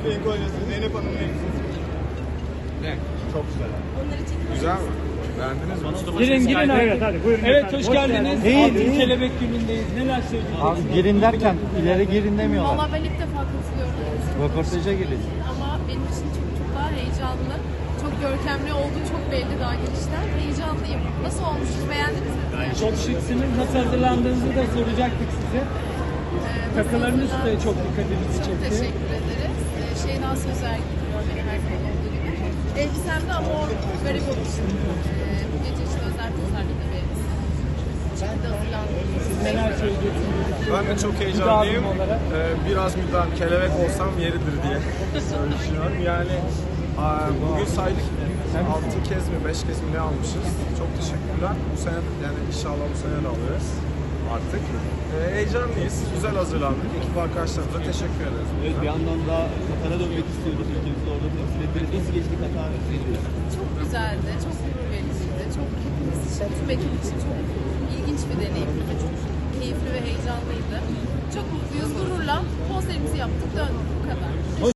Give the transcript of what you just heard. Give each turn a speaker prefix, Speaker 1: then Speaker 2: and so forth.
Speaker 1: renk oynuyorsun. Zeynep Hanım ne? Çok güzel. Güzel mi? Beğendiniz mi?
Speaker 2: Girin abi.
Speaker 3: Evet hadi buyurun.
Speaker 2: Evet
Speaker 3: efendim.
Speaker 2: hoş geldiniz.
Speaker 3: İyi,
Speaker 2: Altın
Speaker 3: iyi.
Speaker 2: Kelebek günündeyiz. Neler söyleyeceksiniz?
Speaker 4: Abi girin derken ileri girin demiyorlar.
Speaker 5: Valla ben ilk defa katılıyorum.
Speaker 4: Röportaja girin.
Speaker 5: Ama benim için çok daha heyecanlı. Çok görkemli olduğu çok belli daha girişten. Heyecanlıyım. Nasıl olmuştur? Beğendiniz mi?
Speaker 2: Çok şıksınız. Nasıl hazırlandığınızı da soracaktık size. Takılarınız da çok dikkatimizi
Speaker 5: Çok
Speaker 2: çekti.
Speaker 5: teşekkür ederiz. Şeyda Sözer gidiyor beni her zaman olduğu gibi. Elbisemde ama o garip olmuşum. Bu gece işte özel tasarlıklı bir şekilde hazırlandım.
Speaker 2: Neler söyleyeceksiniz?
Speaker 1: Ben de çok heyecanlıyım.
Speaker 2: Müdavim olarak.
Speaker 1: Biraz müdahale, kelebek olsam yeridir diye düşünüyorum. Yani bugün saydık 6 kez mi 5 kez mi ne almışız. Çok teşekkürler. Bu sene yani inşallah bu sene de alırız artık. Heyecanlıyız. Güzel hazırlandık. Ekip arkadaşlarımıza teşekkür ederiz.
Speaker 6: Evet, bir yandan da Katar'a dönmek istiyorduk. Ülkemizde orada temsil ettiniz. Nasıl geçti Katar?
Speaker 5: Çok güzeldi, çok gurur vericiydi. Çok hepimiz için, tüm ekip için çok ilginç bir deneyimdi. Çok keyifli ve heyecanlıydı. Çok mutluyuz, gururla konserimizi yaptık, döndük bu kadar.